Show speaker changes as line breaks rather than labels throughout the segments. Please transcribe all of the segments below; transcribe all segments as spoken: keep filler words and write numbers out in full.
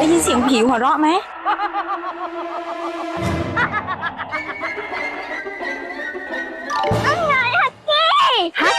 ยินเสียงผีหัวเราะไหม
นั่นไงฮักกี้ฮัก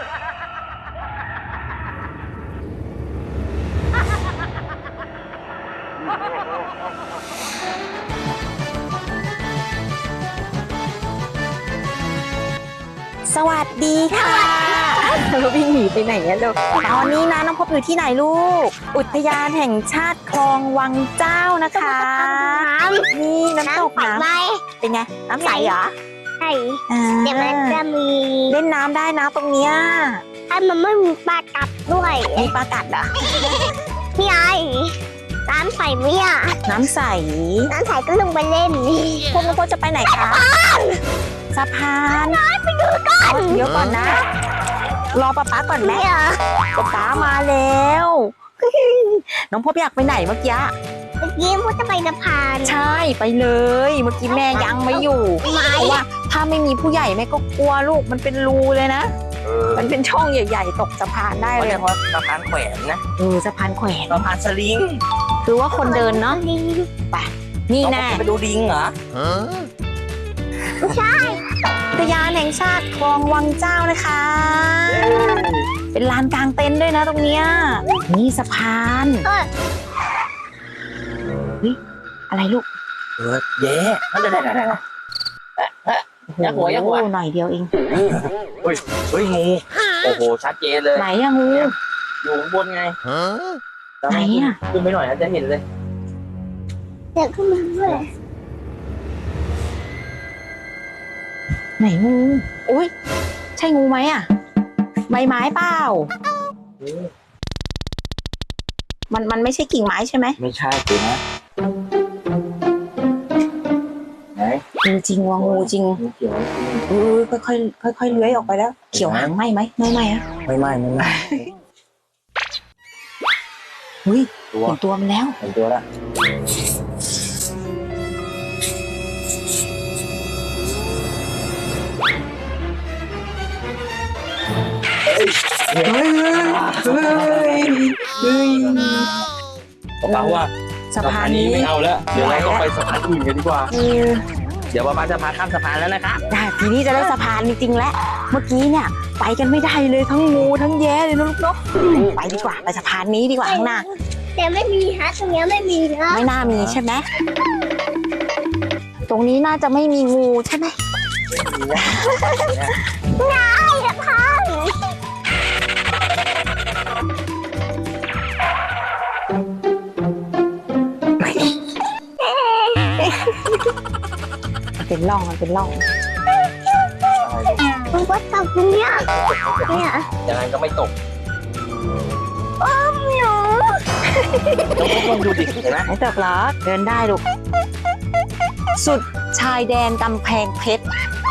สวัสดีค่ะวิ่งหนีไปไหนอะลูกตอนนี้นะน้องพบอยู่ที่ไหนลูกอุทยานแห่งชาติคลองวังเจ้านะคะนี่น้ำตกนะเป็นไงน้ำใสเหรอ
ใช่เดี๋ยวมันจะมี
เล่นน้ำได้นะตรงเนี้ย
ถ้ามันไม่มีปลากัดด้วย
มีปลากัดเหรอ
พี่ไอ้น้ำใสไหมอ่ะ
น้ำใส
น้ำใสก็ลงไปเล่น
พวกน้องพบจะไปไหนคะสะพาน
ไปดูก่อน
เดี๋ยวก่อนนะรอป๊าป๊าก่อนแม่ป๊าป๊ามาแล้วน้องพบอยากไปไหนเมื่อกี้
เมื่อกี้พูดจะไปสะพาน
ใช่ไปเลยเมื่อกี้แม่ยังไม่อยู่เพราะว่าถ้าไม่มีผู้ใหญ่แม่ก็กลัวลูกมันเป็นรูเลยนะมันเป็นช่องใหญ่ๆตกสะพานได้เลย
เพราะสะพานแขวนนะ
เออสะพานแขวน
สะพานสลิง
คือว่าคนเดินเนาะไปนี่แน่
ไปดูลิงเหรอ
ใช่
อุทยานแห่งชาติคลองวังเจ้านะคะเป็นลานกลางเต็นท์ด้วยนะตรงเนี้ยนี่สะพานเฮ้ยอะไรลูก
เออเย้ได้ได้ได้ได้ยักหัวยักหัว
หน่อยเดียวเอง
เฮ้ยเฮ้ยงูโอ้โหชัดเจนเลย
ไหนอะงู
อยู่ข้างบนไง
ไหนอะ
ขึ้นไปหน่อยนะจะเห็นเลย
เดี๋ยวขึ้นมาด้วย
ไหนงูโอ้ยใช่งูไหมอะใบไม้เปล่ามันมันไม่ใช่กิ่งไม้ใช่ไหม
ไม่ใช่จริงนะไหน
งูจริงวะงูจริง
งูเขียว
เออค่อยค่อยค่อยค่อยเลื้อยออกไปแล้วเขียวหางไหมไหมไม่ไหมอะ
ไม่ไหมไม่ไหม
เฮ้ยเห็นตัวมันแล้ว
เห็นตัวแล้ว
เฮ้ยเฮ้ยเฮ้ยเฮ้ย
ป้าว่า
สะพานนี้
ไม่เอาแล้วเดี๋ยวเราต้องไปสะพานอื่นกันดีกว่าเดี๋ยวป้าจะพาข้ามสะพานแล้วนะคะ
ได้ทีนี้จะได้สะพานจริงๆแล้วเมื่อกี้เนี่ยไปกันไม่ได้เลยทั้งงูทั้งแย่เลยนะลูกเนาะไปดีกว่าไปสะพานนี้ดีกว่าข้างหน้า
แต่ไม่มีฮะตรงนี้ไม่มีนะ
ไม่น่ามีใช่ไหมตรงนี้น่าจะไม่มีงูใช่ไหม
ง่ายสะพาน
เป็นร่องมันเป็นร่อง
มันก็ตกเนี่ยเนี่ย
ยังไงก็ไม่ตก
อ้อมหนู
ต้องลองดูดิเห็นไหม
ไม่ตกหรอเดินได้ลูกสุดชายแดนกำแพงเพชร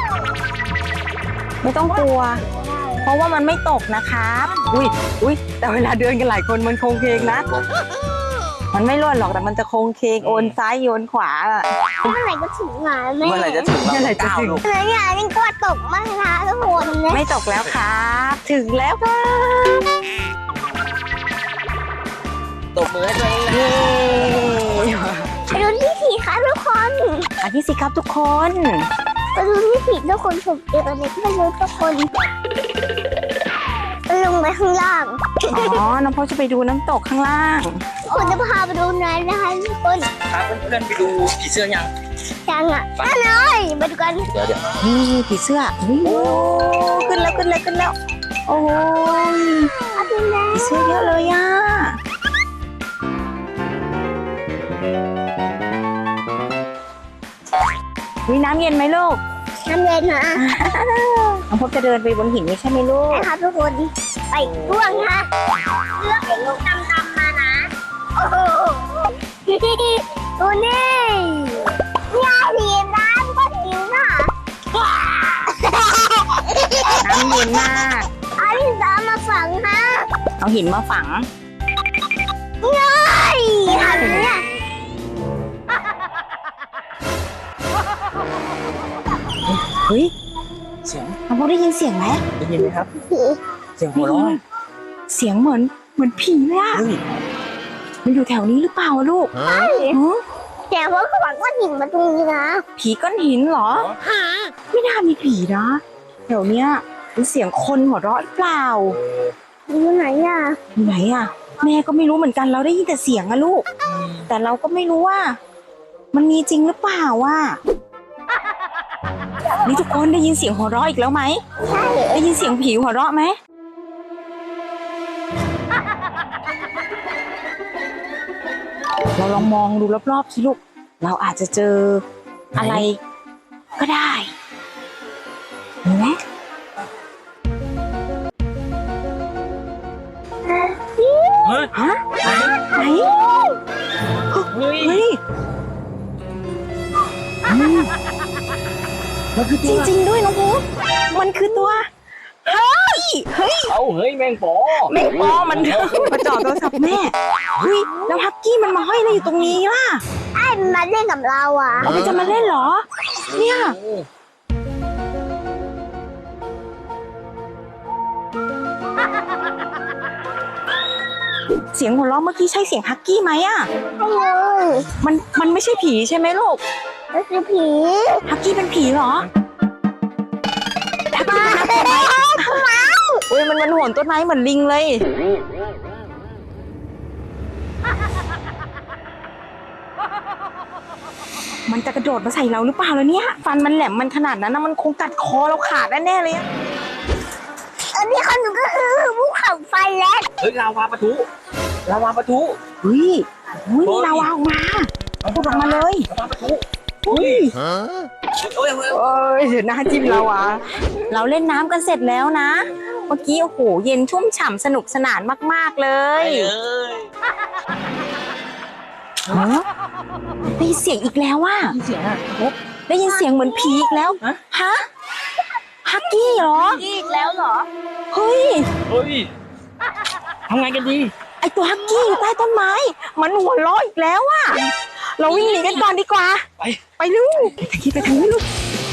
ไม่ต้องกลัวเพราะว่ามันไม่ตกนะครับอุ้ยอุ้ยแต่เวลาเดินกันหลายคนมันโค้งเคงนะมันไม่ร่วนหรอกแต่มันจะโค้งเคงโอนซ้ายโยนขวาอะ
เมื่อไหร่ก็ถึงงาน
เมื่อไหร่จะถึง
เมื่อไหร่จะถึง
เมื่อไหร่ยังกลัวตกมากนะทุกคน
ไม่ตกแล้วครับถึงแล้วครับ
ตบมือให้ตัวเองนะ
ไปดูที่ผีค่ะทุกคน
อันนี้สิครับทุกคน
ไปดูที่ผีทุกคนผมเจออะไรก็ไม่รู้ทุกคนลงไปข้างล่าง
อ๋อน้องพ่อจะไปดูน้ำตกข้างล่าง
คุณจะพาไปดูนั้นนะคะทุกคน
พาเพื่อนๆไปดูผีเสื้อยัง
ยังอ่ะนั่นเลยมาดูกัน
เดี๋ยวเดี๋ยว
นี่ผีเสื้อโอ้ขึ้นแล้วขึ้นแล้วขึ้นแล้วโอ้ยผีเสื้อเยอะเลยอ่ะมีน้ำเย็นไหมลูก
น้ำเย็นนะ
น้องพบจะเดินไปบนหินนี่ใช่ไหมลูก
ใช่ครับทุกคนไปร่วงค่ะเลือกเห็นลูกดำๆมานะโอ้โหดูนี่ยาดีน้ำก็ดีนะ
น้ำเย็นมาก
เอาหินมาฝังฮะ
เอาหินมาฝัง
ง่ายหันเนี่ย
เฮ้ย
เสียง
น้องพบได้ยินเสียงไหม
ได้ยินไหมครับเสียงหัวเราะ
เสียงเหมือนเหมือนผีเลยอะ
เ
มันอยู่แถวนี้หรือเปล่าอะลูกฮะ
แต่ว่าเขาบอกว่าหินมาตรงนี้นะ
ผีก้อนหินเหรอไม่น่ามีผีนะแถวเนี้ยเป็นเสียงคนหัวเราะหรือเปล่า
อยู่ไหนอ่ะ
อยู่ไหนอะแม่ก็ไม่รู้เหมือนกันเราได้ยินแต่เสียงอะลูก แต่เราก็ไม่รู้ว่า มันมีจริงหรือเปล่าว่านี่ทุกคนได้ยินเสียงหัวเราะอีกแล้วไหม
ใช่
ได้ยินเสียงผีหัวเราะไหมเราลองมองดูรอบๆสิลูกเราอาจจะเจออะไรก็ได้เห็นไหม
เฮ้ย
ฮะไหน
เฮ้ย
เฮ้ยอืม
มันคือ
จริงๆด้วยน้องภูมันคือตัวเฮ้ยเฮ้ย
เอาเฮ้ยแมงปอ
แม่งปอมันมาจ่อโทรศัพท์แม่เฮ้ยแล้วฮักกี้มันมาห้อยอะไรอยู่ตรงนี้ล่ะ
ไอ้มันมาเล่นกับเราอ่ะ
มันจะมาเล่นเหรอ เนี่ย เสียงหัวเราะเมื่อกี้ใช่เสียงฮักกี้ไหมอะ
ไม่เลย
มันมันไม่ใช่ผีใช่ไหมลูก
มันคือผี
ฮักกี้เป็นผีเหรอฮักกี้เป็นน่ากลัวไหมโอ้ยมันมันโหนต้นไม้เหมือนลิงเลย มันจะกระโดดมาใส่เราหรือเปล่าแล้วเนี่ย ฟันมันแหลมมันขนาดนั้นนะมันคงกัดคอเราขาดแน่ๆเลยอะ
อันนี้ขนมก็คือภูเขาไฟแลนด์
เฮ้ยลาวาปะทุลาวาปะทุ
เฮ้ยเฮ้ยมีลาวาออกมาพูดออกมาเลย
ลาวาปะทุ
เฮ้ย
โอ้ยโอ้ย
เอ้ยเดี๋ยวหน้าจิ้มลาวาเราเล่นน้ำกันเสร็จแล้วนะ เมื่อกี้โอ้โหเย็นชุ่มฉ่ำสนุกสนานมากๆเล
เฮ้
ย
ยเอ้ย
ฮะได้ยินเสียงอีกแล้วว่า
มีเสียงอ่ะนก
ได้ยินเสียงเหมือนผีอีกแล้ว
ฮะ
ฮะฮักกี้เหรอ
อีกแล้วเหรอ
เฮ้ย
เฮ้ยทำไงกันดี
ไอตัวฮักกี้อยู่ใต้ต้นไม้ มันหัวเราะอีกแล้วอะเราวิ่งหนีกันก่อนดีกว่า
ไป
ไปลูกไปทางนี้ไปทางนี้ลูก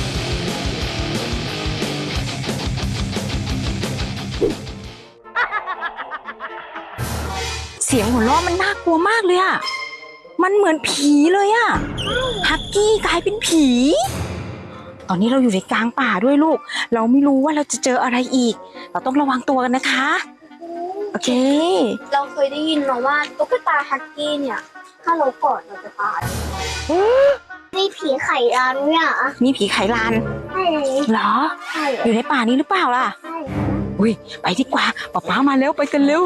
เสียงหัวเราะมันน่ากลัวมากเลยอะมันเหมือนผีเลยอะฮักกี้กลายเป็นผี ตอนนี้เราอยู่ในกลางป่าด้วยลูก เราไม่รู้ว่าเราจะเจออะไรอีก เราต้องระวังตัวกันนะคะ โอเค
เราเคยได้ยินมาว่าตุ๊กตาฮักกี้เนี่ย ถ้าเรากอดเราจะตายนี่ผีไข่ดาวเนี่ย
มีผีไขลาน
ใช่
เหรอ
ใช่
อยู่ในป่านี้หรือเปล่าล่ะ
ใช่
อุ้ยไปดีกว่าป๊าป๊ามาแล้วไปกันเร็ว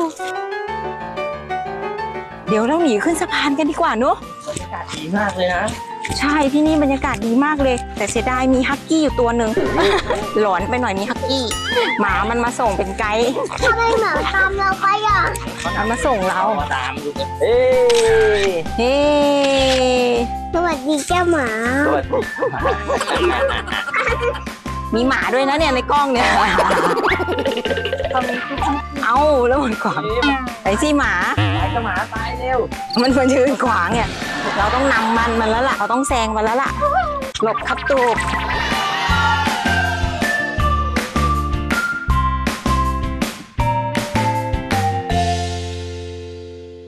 เดี๋ยวเราหนีขึ้นสะพานกันดีกว่าเนอะ
บรรยากาศดีมากเลยนะ
ใช่ที่นี่บรรยากาศดีมากเลย แต่เสียดายมีฮักกี้อยู่ตัวหนึ่ง หลอนไปหน่อยมีฮักกี้ หมามันมาส่งเป็นไกด์
ทำไมหมาตามเราไปอ่ะ
มันมาส่งเรา
มาตามดูกันเอ้ย
เฮ้
สวัสดีเจ้าหมา
สวัสดี
มีหมาด้วยนะเนี่ยในกล้องเนี่ย เอาแล้วมันขวางไปสิหมา
ไปกับหมาตายเร็ว
มันมันยืนขวางเนี่ย เราต้องนำมันมันแล้วล่ะ เราต้องแซงมันแล้วล่ะ หลบครับตูบ